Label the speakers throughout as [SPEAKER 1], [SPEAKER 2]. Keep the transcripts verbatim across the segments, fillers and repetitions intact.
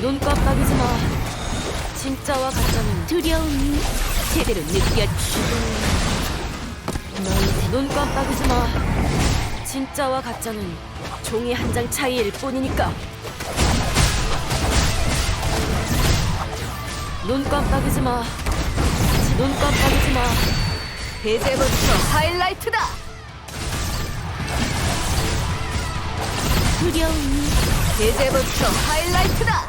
[SPEAKER 1] 눈 깜빡이지 마. 진짜와 가짜는
[SPEAKER 2] 두려움이 제대로 느꼈지.
[SPEAKER 1] 눈 깜빡이지 마. 진짜와 가짜는 종이 한 장 차이일 뿐이니까. 눈 깜빡이지 마. 눈 깜빡이지 마.
[SPEAKER 2] 이제부터 하이라이트다. 두려움이 이제부터 하이라이트다.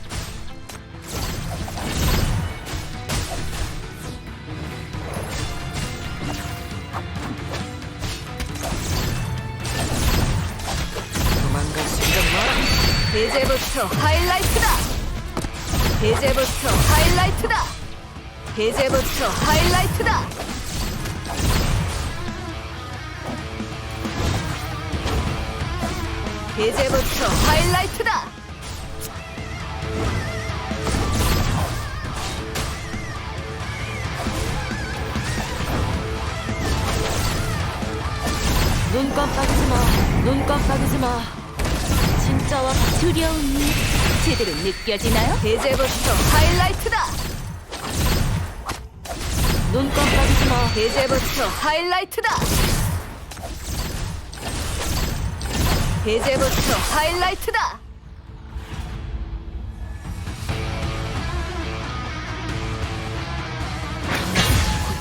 [SPEAKER 1] 도망갈 생각 마라.
[SPEAKER 2] 이제부터 하이라이트다. 이제부터 하이라이트다. 이제부터 하이라이트다. 이제부터 하이라이트다.
[SPEAKER 1] 눈 깜빡이지 마. 눈 깜빡이지 마. 진짜와 가짜.
[SPEAKER 2] 두려움이 제대로 느껴지나요? 이제부터 하이라이트다.
[SPEAKER 1] 눈 깜빡이지 마.
[SPEAKER 2] 이제부터 하이라이트다. 이제부터 하이라이트다.